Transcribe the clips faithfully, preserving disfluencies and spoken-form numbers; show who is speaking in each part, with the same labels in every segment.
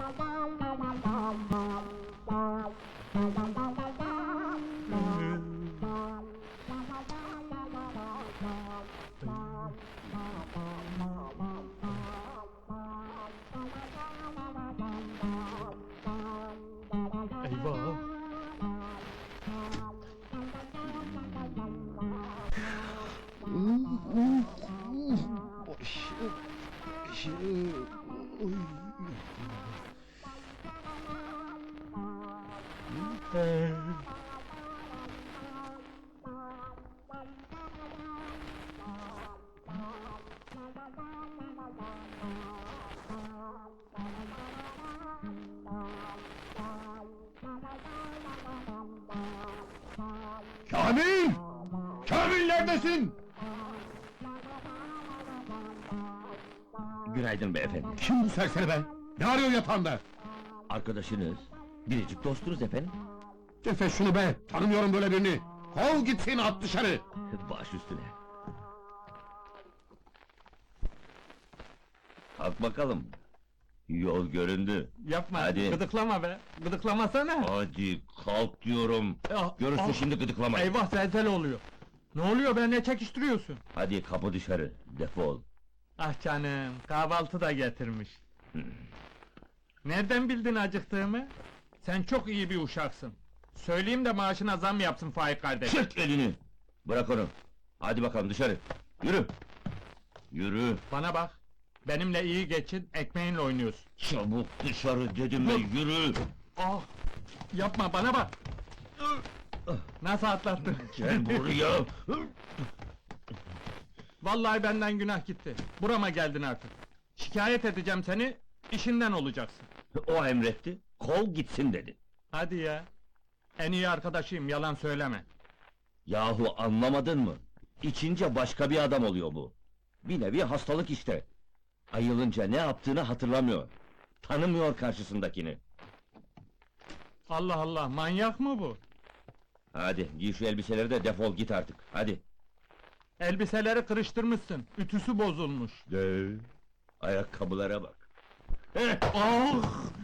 Speaker 1: Eyvah!
Speaker 2: Kamil! Kamil neredesin?
Speaker 3: Günaydın beyefendi.
Speaker 2: Kim bu serseri be? Ne arıyor yatağında?
Speaker 3: Arkadaşınız, biricik dostunuz efendim.
Speaker 2: Cefe şunu be! Tanımıyorum böyle birini! Kov gitsin, at dışarı!
Speaker 3: Baş üstüne. Kalk bakalım. Yol göründü.
Speaker 1: Yapma,
Speaker 3: Hadi.
Speaker 1: gıdıklama be! Gıdıklamasana!
Speaker 3: Hadi kalk diyorum.
Speaker 1: Ah,
Speaker 3: Görürsün
Speaker 1: ah.
Speaker 3: şimdi gıdıklamayı.
Speaker 1: Eyvah, zelzele oluyor! Ne oluyor be, ne çekiştiriyorsun?
Speaker 3: Hadi kapı dışarı, defol.
Speaker 1: Ah canım, kahvaltı da getirmiş. Nereden bildin acıktığımı? Sen çok iyi bir uşaksın. Söyleyeyim de maaşına zam yapsın Faik kardeş.
Speaker 3: Çek elini! Bırak onu. Hadi bakalım dışarı. Yürü! Yürü!
Speaker 1: Bana bak, benimle iyi geçin, ekmeğinle oynuyorsun.
Speaker 3: Çabuk dışarı dedim ve yürü!
Speaker 1: Ah! Yapma, bana bak! Nasıl atlattın?
Speaker 3: Gel buraya!
Speaker 1: Vallahi benden günah gitti. Burama geldin artık. Şikayet edeceğim seni, işinden olacaksın.
Speaker 3: O emretti, kov gitsin dedi.
Speaker 1: Hadi ya! En iyi arkadaşıyım, yalan söyleme.
Speaker 3: Yahu anlamadın mı? İçince başka bir adam oluyor bu. Bir nevi hastalık işte. Ayılınca ne yaptığını hatırlamıyor. Tanımıyor karşısındakini.
Speaker 1: Allah Allah, manyak mı bu?
Speaker 3: Hadi giy şu elbiseleri de defol git artık. Hadi.
Speaker 1: Elbiseleri kırıştırmışsın, ütüsü bozulmuş.
Speaker 3: De. Ayakkabılara bak. Heh!
Speaker 1: Ah!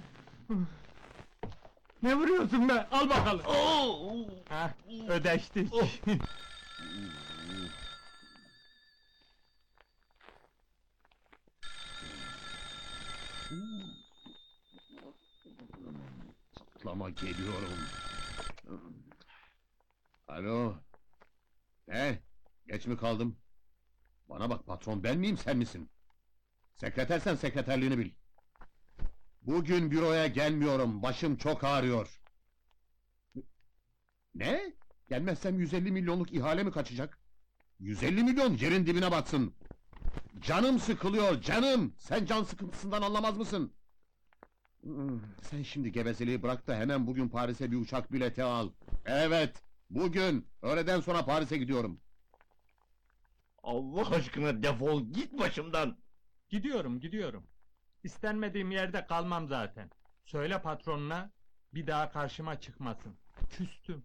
Speaker 1: Ne vuruyorsun be? Al bakalım.
Speaker 3: Oo!
Speaker 1: Hah, ödeştik.
Speaker 2: Patlama geliyorum. Alo? Ne? Geç mi kaldım? Bana bak patron, ben miyim sen misin? Sekretersen sekreterliğini bil. Bugün büroya gelmiyorum, başım çok ağrıyor. Ne? Gelmezsem yüz elli milyonluk ihale mi kaçacak? yüz elli milyon yerin dibine batsın! Canım sıkılıyor, canım! Sen can sıkıntısından anlamaz mısın? Hmm, Sen şimdi gevezeliği bırak da hemen bugün Paris'e bir uçak bileti al. Evet, bugün, öğleden sonra Paris'e gidiyorum.
Speaker 3: Allah aşkına defol git başımdan!
Speaker 1: Gidiyorum, gidiyorum. İstenmediğim yerde kalmam zaten. Söyle patronuna, bir daha karşıma çıkmasın. Küstüm.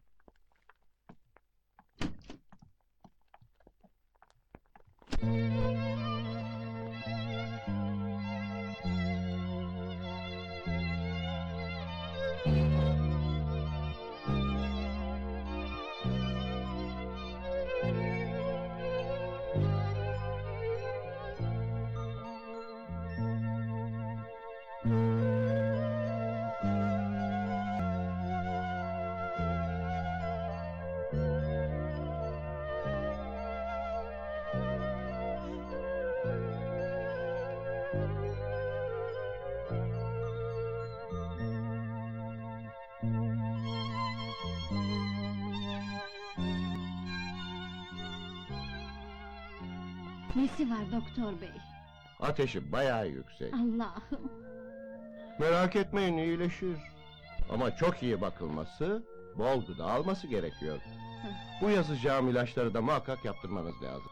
Speaker 4: Nesi var doktor bey?
Speaker 5: Ateşi bayağı yüksek.
Speaker 4: Allah'ım!
Speaker 5: Merak etmeyin, iyileşir. Ama çok iyi bakılması, bol gıda alması gerekiyor. Bu yazacağım ilaçları da muhakkak yaptırmanız lazım.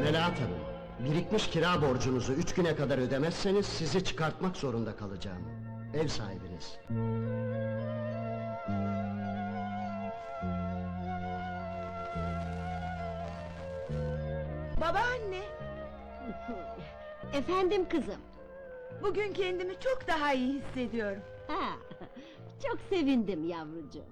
Speaker 6: Melahat Hanım, birikmiş kira borcunuzu üç güne kadar ödemezseniz sizi çıkartmak zorunda kalacağım. Ev sahibiniz.
Speaker 7: Babaanne,
Speaker 4: Efendim kızım.
Speaker 7: bugün kendimi çok daha iyi hissediyorum.
Speaker 4: Ha, çok sevindim yavrucuğum.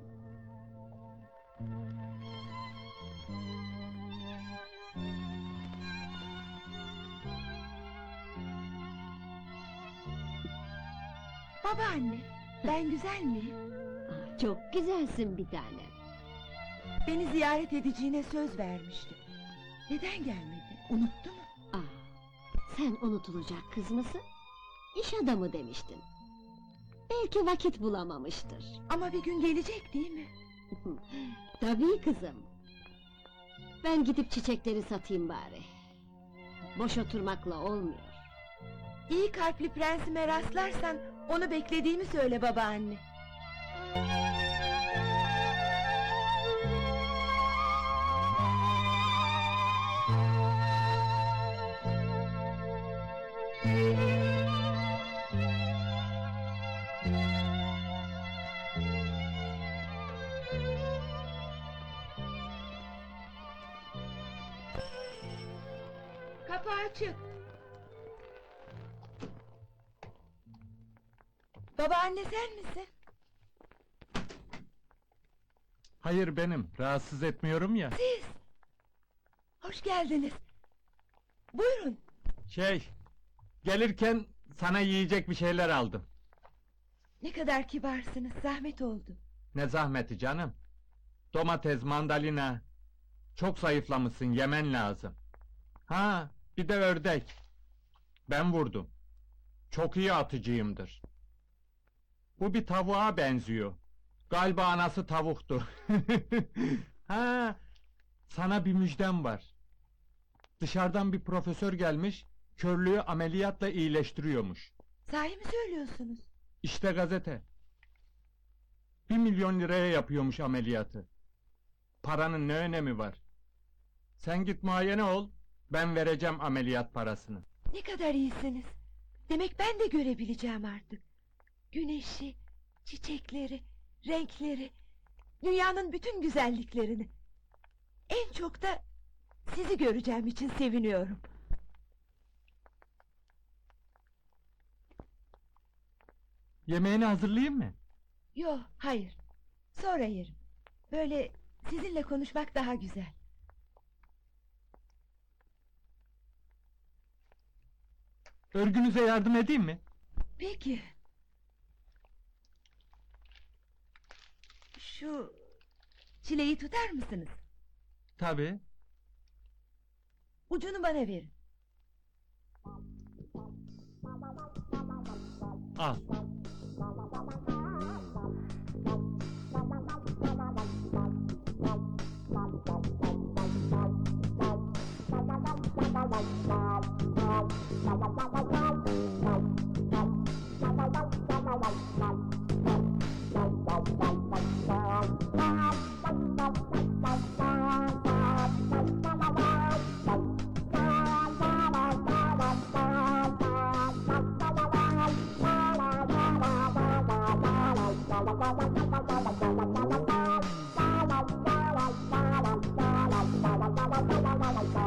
Speaker 7: Babaanne, ben güzel miyim?
Speaker 4: Ah, çok güzelsin bir tanem.
Speaker 7: Beni ziyaret edeceğine söz vermişti. Neden gelmedi? Unuttu mu?
Speaker 4: Ah, sen unutulacak kız mısın? İş adamı demiştin. Belki vakit bulamamıştır.
Speaker 7: Ama bir gün gelecek değil mi?
Speaker 4: Tabii kızım. Ben gidip çiçekleri satayım bari. Boş oturmakla olmuyor.
Speaker 7: İyi kalpli prensime rastlarsan onu beklediğimi söyle babaanne. Kapı açık. Babaanne sen misin?
Speaker 1: Hayır benim, rahatsız etmiyorum ya.
Speaker 7: Siz! Hoş geldiniz. Buyurun.
Speaker 1: Şey, gelirken sana yiyecek bir şeyler aldım.
Speaker 7: Ne kadar kibarsınız, zahmet oldu.
Speaker 1: Ne zahmeti canım. Domates, mandalina. Çok zayıflamışsın, yemen lazım. Ha, bir de ördek. Ben vurdum. Çok iyi atıcıyımdır. Bu bir tavuğa benziyor. Galiba anası tavuktu. Ha, sana bir müjdem var. Dışarıdan bir profesör gelmiş, körlüğü ameliyatla iyileştiriyormuş.
Speaker 7: Sahi mi söylüyorsunuz?
Speaker 1: İşte gazete. Bir milyon liraya yapıyormuş ameliyatı. Paranın ne önemi var? Sen git muayene ol, ben vereceğim ameliyat parasını.
Speaker 7: Ne kadar iyisiniz. Demek ben de görebileceğim artık. Güneşi, çiçekleri, renkleri, dünyanın bütün güzelliklerini. En çok da sizi göreceğim için seviniyorum.
Speaker 1: Yemeğini hazırlayayım mı?
Speaker 7: Yo, hayır. Sonra yerim. Böyle sizinle konuşmak daha güzel.
Speaker 1: Örgünüze yardım edeyim mi?
Speaker 7: Peki. Şu çileği tutar mısınız?
Speaker 1: Tabii.
Speaker 7: Ucunu bana verin.
Speaker 1: Al.